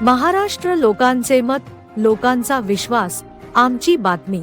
महाराष्ट्र लोकांचे मत, लोकांचा विश्वास, आमची बातमी।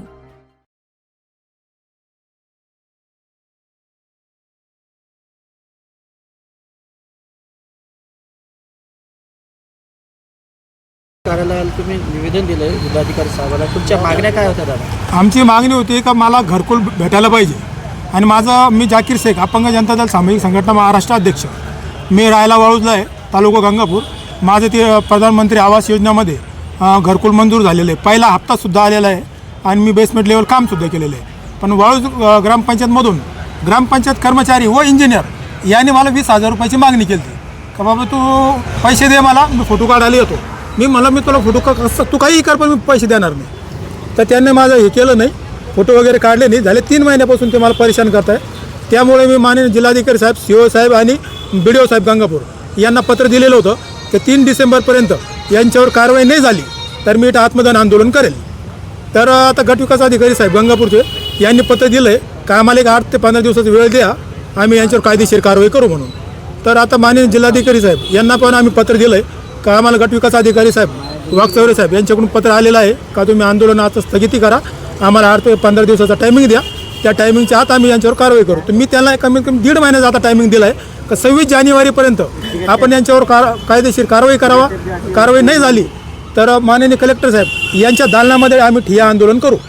कार्यालयाला तुम्ही निवेदन दिले जिल्हाधिकारी साहेबांना, तुमच्या मागण्या काय होत्या दादा? आमची मागणी होती का मला घरकुल भेटायला पाहिजे आणि मी जाकीर शेख, अपंग जनता दल सामाजिक संघटना महाराष्ट्र अध्यक्ष। मी राहायला वाळूजला आहे, तालुका गंगापूर। माझे ते प्रधानमंत्री आवास योजनेमध्ये घरकुल मंजूर झालेले आहे, पहिला हप्तासुद्धा आलेला आहे आणि मी बेसमेंट लेवल कामसुद्धा केलेलं आहे। पण वाळूज ग्रामपंचायतमधून ग्रामपंचायत कर्मचारी व इंजिनियर यांनी मला 20,000 रुपयाची मागणी केली का बाबा तू पैसे दे, मला मी फोटो काढायला येतो। मी तुला फोटो कसं तू काही कर, पण मी पैसे देणार नाही। तर त्यांनी माझं हे केलं नाही, फोटो वगैरे काढले नाही। झाले 3 महिन्यापासून ते मला परेशान करत आहे। त्यामुळे मी माननीय जिल्हाधिकारी साहेब, CO साहेब आणि BDO साहेब गंगापूर यांना पत्र दिलेलं होतं की 3 डिसेंबरपर्यंत यांच्यावर कारवाई नाही झाली तर मी इथं आत्मदान आंदोलन करेल। तर आता गटविकास अधिकारी साहेब गंगापूरचे यांनी पत्र दिलं आहे का आम्हाला एक 8 ते 15 दिवसाचा वेळ द्या, आम्ही यांच्यावर कायदेशीर कारवाई करू म्हणून। तर आता माननीय जिल्हाधिकारी साहेब यांना पण आम्ही पत्र दिलं आहे का आम्हाला गटविकास अधिकारी साहेब वाघचौरे साहेब यांच्याकडून पत्र आलेलं आहे का तुम्ही आंदोलनाचं स्थगिती करा, आम्हाला 8 ते 15 दिवसाचा टायमिंग द्या, त्या टायमिंगच्या आत आम्ही यांच्यावर कारवाई करू। तर मी त्यांना कमीत कमी 1.5 महिन्याचा आता टायमिंग दिला आहे का 26 जानेवारीपर्यंत आपण यांच्यावर कायदेशीर कारवाई करावा। कारवाई नाही झाली तर माननीय कलेक्टर साहेब यांच्या दालनामध्ये आम्ही ठिय्या आंदोलन करू।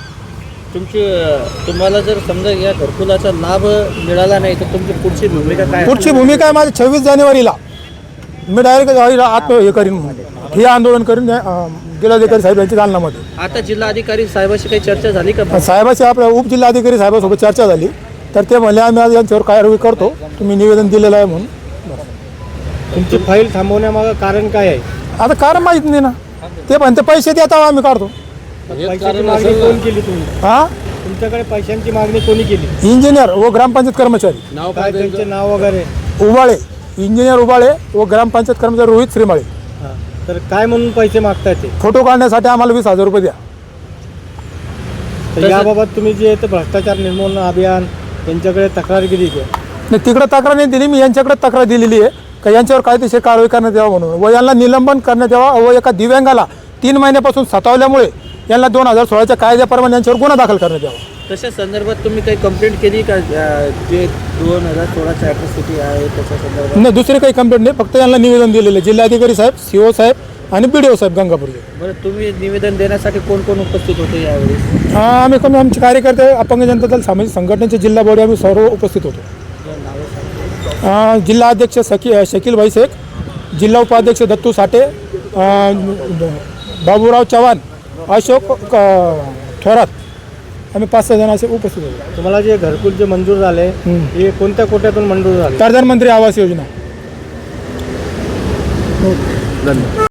तुम्हाला जर समजा या घरकुलाचा लाभ मिळाला नाही तर तुमची पुढची भूमिका काय? पुढची भूमिका आहे माझी 26 जानेवारीला मी डायरेक्ट हे करीन, हे आंदोलन करीन जिल्हाधिकारी साहेब यांच्या दालनामध्ये। आता जिल्हाधिकारी साहेबांशी काही चर्चा झाली का? साहेबाशी आपल्या उपजिल्हाधिकारी साहेबांसोबत चर्चा झाली तर ते म्हणले आम्ही आज यांच्यावर कारवाई करतो, तुम्ही निवेदन दिलेलं आहे म्हणून। तुमची फाईल थांबवण्यामागं कारण काय आहे? आता कारण माहीत नाही ना, ते म्हणते पैसे देता आम्ही काढतो। पैशाची मागणी कोण केली तुम्ही? हां, तुमच्याकडे पैशांची मागणी कोणी केली? इंजिनियर व ग्रामपंचायत कर्मचारी। नाव काय त्यांचे नाव वगैरे? उबाळे, इंजिनियर उबाळे व ग्रामपंचायत कर्मचारी रोहित श्रीमाळे। तर काय म्हणून पैसे मागताय ते? फोटो काढण्यासाठी आम्हाला 20,000 रुपये द्या। तर याबाबत तुम्ही जे भ्रष्टाचार निर्मूलन अभियान यांच्याकडे तक्रार केली का? नाही, तिकडे तक्रार नाही दिली, मी यांच्याकडे तक्रार दिलेली आहे का यांच्यावर कायदेशीर कारवाई करण्यात यावं म्हणून व यांना निलंबन करण्यात यावं व एका दिव्यांगाला 3 महिन्यापासून सतावल्यामुळे यांना 2016च्या कायद्याप्रमाणे यांच्यावर गुन्हा दाखल करण्यात यावा। तशा संदर्भात तुम्ही काही कंप्लेंट केली का? जे 2016ची ॲट्रॉसिटी आहे त्याच्या संदर्भात? नाही, दुसरी काही कंप्लेंट नाही, फक्त यांना निवेदन दिलेलं आहे जिल्हाधिकारी साहेब, CO साहेब आणि BDO साहेब गंगापूरचे। बरं, तुम्ही निवेदन देण्यासाठी कोण कोण उपस्थित होते यावेळी? आमचे कार्यकर्ते अपंग जनता दल सामाजिक संघटनेचे जिल्हा बॉडी आम्ही सर्व उपस्थित होतो। जिल्हा अध्यक्ष शकील भाई शेख, जिल्हा उपाध्यक्ष दत्तू साठे, बाबूराव चव्हाण, अशोक थोरात, आम्ही 5-6 जण असे उपस्थित होतो। तुम्हाला जे घरकुल जे मंजूर झाले हे कोणत्या कोट्यातून मंजूर झाले? प्रधानमंत्री आवास योजना।